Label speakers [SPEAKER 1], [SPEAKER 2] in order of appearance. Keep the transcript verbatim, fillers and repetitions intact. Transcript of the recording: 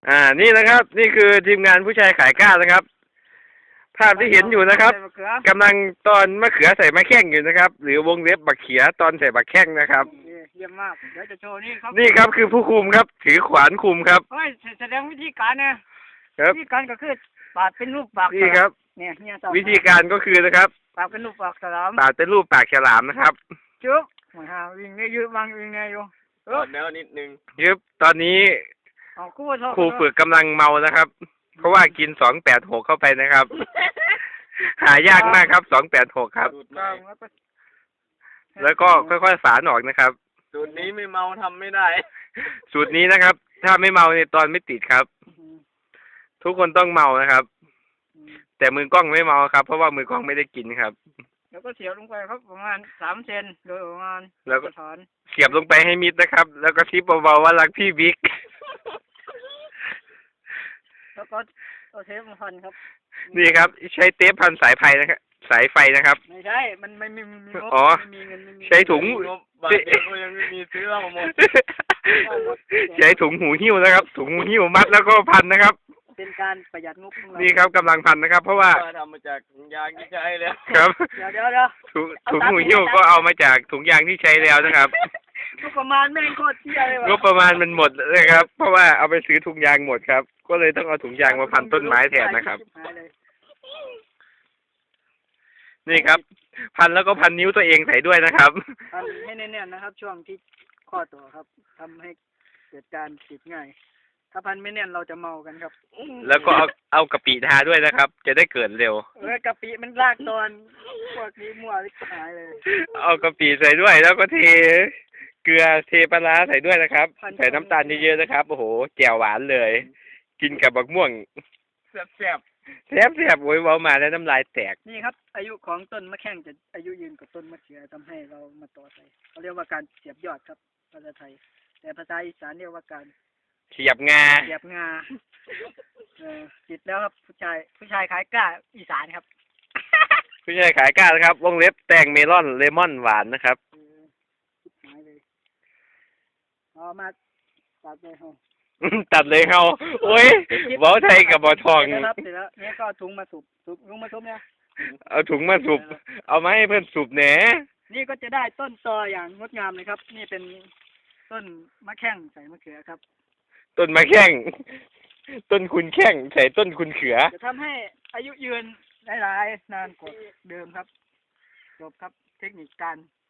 [SPEAKER 1] อ่านี่นะครับ นี่คือทีมงานผู้ชายขายกล้านะครับ ภาพที่เห็นอยู่นะครับกำลังตอนมะเขือใส่มะแข้งอยู่นะครับ หรือวงเล็บบักเขียตอนใส่บักแข้งนะครับ
[SPEAKER 2] เยี่ยมมากเดี๋ยวจะโชว์นี่ครับ
[SPEAKER 1] นี่ครับคือผู้คุมครับ ถือขวานคุมครับ
[SPEAKER 2] เฮ้ยแสดงวิธีการนะครับวิธีการก็คือปาดเป็นรูปปาก
[SPEAKER 1] นี่ครับ
[SPEAKER 2] เนี่ยเนี่ย
[SPEAKER 1] วิธีการก็คือนะครับ
[SPEAKER 2] ปาดเป็นรูปปากฉลาม
[SPEAKER 1] ปาดเป็นรูปปากฉลามนะครับ
[SPEAKER 2] จุ๊บมาหาวิ่งเนี่ยยืดบางวิ่งเนี่ยอยู่
[SPEAKER 3] เออแล้วนิดนึง
[SPEAKER 1] ยึบตอนนี้ครูฝึกกำลังเมานะครับ เพราะว่ากินสองแปดหกเข้าไปนะครับ หายากมากครับสองแปดหกครับ แล้วก็ค่อยๆฝานออกนะครับ
[SPEAKER 3] สูตรนี้ไม่เมาทำไม่ได้
[SPEAKER 1] สูตรนี้นะครับ ถ้าไม่เมาในตอนไม่ติดครับ ทุกคนต้องเมานะครับ แต่มือกล้องไม่เมาครับ เพราะว่ามือกล้องไม่ได้กินครับ
[SPEAKER 2] แล้วก็เสียบลงไปครับประมาณสามเซนโดยประมาณ
[SPEAKER 1] แล้วก็เสียบลงไปให้มิดนะครับ แล้วก็ทิปเบาๆว่ารักพี่บิ๊ก
[SPEAKER 2] แล้วก็เอาเทปมาพันครับ
[SPEAKER 1] นี่ครับใช้เทปพันสายไฟนะครับสายไฟนะครับ
[SPEAKER 2] ไม่ใช่มันไม่มีมีงบไม่มีเงินไม่มี
[SPEAKER 1] ใช้ถุง
[SPEAKER 3] บางทีก็ยังไม่มีซื้อเราหมด
[SPEAKER 1] ใช้ถุงหูหิ้วนะครับถุงหูหิ้วมัดแล้วก็พันนะครับ
[SPEAKER 2] เป็นการประหยัดงบของเรา
[SPEAKER 1] นี่ครับกำลังพันนะครับ เพราะว่า
[SPEAKER 3] ทำมาจากถุงยางที่ใช้แล้ว
[SPEAKER 1] ครับ
[SPEAKER 2] เดี๋ยวเดี๋ยวเดี๋ยว
[SPEAKER 1] ถุงหูหิ้วก็เอามาจากถุงยางที่ใช้แล้วนะครับ
[SPEAKER 2] งบประมาณแม่งโคตรเที่ยเลย
[SPEAKER 1] งบประมาณมันหมดเลยครับ เพราะว่าเอาไปซื้อถุงยางหมดครับก็เลยต้องเอาถุงยางมาพันต้นไม้แทนนะครับนี่ครับพันแล้วก็พันนิ้วตัวเองใส่ด้วยนะครับ
[SPEAKER 2] พันให้แน่นๆนะครับช่วงที่ข้อต่อครับทำให้เกิดการติดง่ายถ้าพันไม่แน่นเราจะเมากันครับ
[SPEAKER 1] แล้วก็เอาเอากะปิทาด้วยนะครับ จะได้เกิดเร็ว
[SPEAKER 2] เออกะปิมันรากตอนพวกนี้มั่วลิบหายเลย
[SPEAKER 1] เอากะปิใส่ด้วยแล้วก็เทเกลือเทปลาใส่ด้วยนะครับใส่น้ำตาลเยอะๆนะครับโอ้โหแจ่วหวานเลย กินกับบักม่วง
[SPEAKER 3] แซ่บแซ่บ
[SPEAKER 1] แซ่บแซ่บโวยเว้ามาแล้วน้ำลายแตก
[SPEAKER 2] นี่ครับอายุของต้นมะแข้งจะอายุยืนกว่าต้นมะเขือทำให้เรามาต่อใส่เขาเรียกว่าการเสียบยอดครับภาษาไทยแต่ภาษาอีสานเรียกว่าการ
[SPEAKER 1] เสียบงา
[SPEAKER 2] เสียบงาเออติดแล้วครับผู้ชายผู้ชายขายกล้าอีสานครับ
[SPEAKER 1] ผู้ชายขายกล้านะครับวงเล็บแตงเมลอนเลมอนหวานนะครับ
[SPEAKER 2] เอามาตัดเลยเขา
[SPEAKER 1] ตัดเลยเขาโอ้ยเว้าไทยกับบอทอง
[SPEAKER 2] ครับเสร็จแล้วเนี่ยก็ถุงมาสูบสูบถุงมาสูบเนี่ย
[SPEAKER 1] เอาถุงมาสูบเอามาให้เพื่อนสูบแหน
[SPEAKER 2] นี่ก็จะได้ต้นตออย่างงดงามเลยครับนี่เป็นต้นมะแข้งใส่มะเขือครับ
[SPEAKER 1] ต้นมะแข้งต้นคุณแข้งใส่ต้นคุณเขือ
[SPEAKER 2] จะทำให้อายุยืนหลายๆนานกว่าเดิมครับจบครับเทคนิคการ